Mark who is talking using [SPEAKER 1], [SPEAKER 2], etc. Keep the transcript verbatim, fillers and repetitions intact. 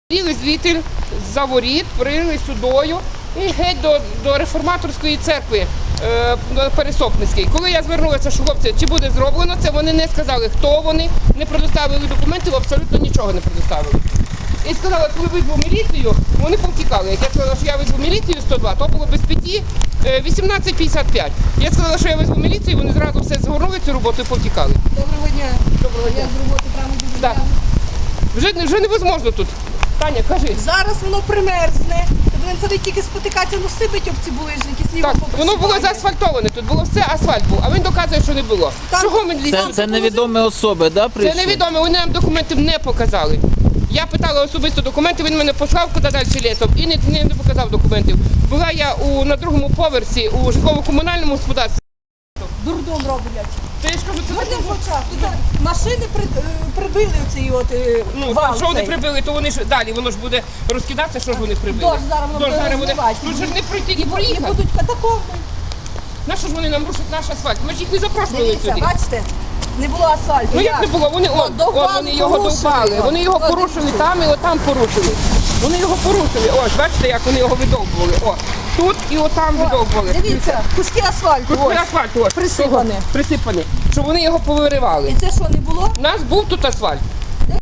[SPEAKER 1] Прили звідти за воріт, прили сюдою і геть до, до реформаторської церкви е, Пересопницької. Коли я звернулася, що хлопці, чи буде зроблено це, вони не сказали, хто вони, не предоставили документів, абсолютно нічого не предоставили. І сказала, коли визву міліцію, вони повтікали. Як я сказала, що я визву міліцію сто два, то було без п'яті, вісімнадцять п'ятдесят п'ять. Я сказала, що я визву міліцію, вони зразу все згорнули цю роботу і повтікали.
[SPEAKER 2] Доброго дня.
[SPEAKER 1] Доброго дня.
[SPEAKER 2] Я з роботи прямо дуже
[SPEAKER 1] Так. Вже, вже невозможно тут. Таня, кажи.
[SPEAKER 2] Зараз воно примерзне. Будемо ходити тільки спотикатися, ну сипить об ці булижники, снігом
[SPEAKER 1] Так,
[SPEAKER 2] поприсипає.
[SPEAKER 1] воно було заасфальтоване, тут було все асфальт був, а він доказує, що не було.
[SPEAKER 2] Там-
[SPEAKER 1] Чого ми ліземо?
[SPEAKER 3] Це, це невідомі особи, да,
[SPEAKER 1] Це
[SPEAKER 3] прийшли?
[SPEAKER 1] невідомо, вони нам документів не показали. Я питала особисто документи, він мене послав куди далі лісом і не, не, не показав документів. Була я у, на другому поверсі у житлово-комунальному господарстві.
[SPEAKER 2] Дурдом роблять.
[SPEAKER 1] То я ж кажу, це
[SPEAKER 2] Сьогодні в очах. Тут машини при, е, прибили оцей от е,
[SPEAKER 1] ну,
[SPEAKER 2] вал
[SPEAKER 1] що вони
[SPEAKER 2] цей.
[SPEAKER 1] прибили, то вони ж далі, воно ж буде розкидатися, що ж вони прибили.
[SPEAKER 2] Дощ зараз воно буде розливати.
[SPEAKER 1] Ну ж не пройти,
[SPEAKER 2] І,
[SPEAKER 1] не
[SPEAKER 2] бу- і
[SPEAKER 1] проїхати.
[SPEAKER 2] будуть катакомби.
[SPEAKER 1] На що ж вони нам рушать наш асфальт? Ми ж їх не запрошували
[SPEAKER 2] Дивіться,
[SPEAKER 1] сюди.
[SPEAKER 2] бачите, не було асфальту.
[SPEAKER 1] Ну як не було? Вони,
[SPEAKER 2] Ну,
[SPEAKER 1] от,
[SPEAKER 2] довбали,
[SPEAKER 1] от, вони його
[SPEAKER 2] порушили
[SPEAKER 1] довбали,
[SPEAKER 2] його.
[SPEAKER 1] вони його
[SPEAKER 2] От,
[SPEAKER 1] порушили
[SPEAKER 2] дивіться.
[SPEAKER 1] там і отам порушили. Вони його порушили. Ось, бачите, як вони його видовбували. О, тут і отам видовбували.
[SPEAKER 2] Дивіться, куски асфальту.
[SPEAKER 1] Куски
[SPEAKER 2] Ось.
[SPEAKER 1] асфальту, ось.
[SPEAKER 2] Присипане.
[SPEAKER 1] Присипані. Щоб вони його повиривали.
[SPEAKER 2] І це що, не було?
[SPEAKER 1] У нас був тут асфальт.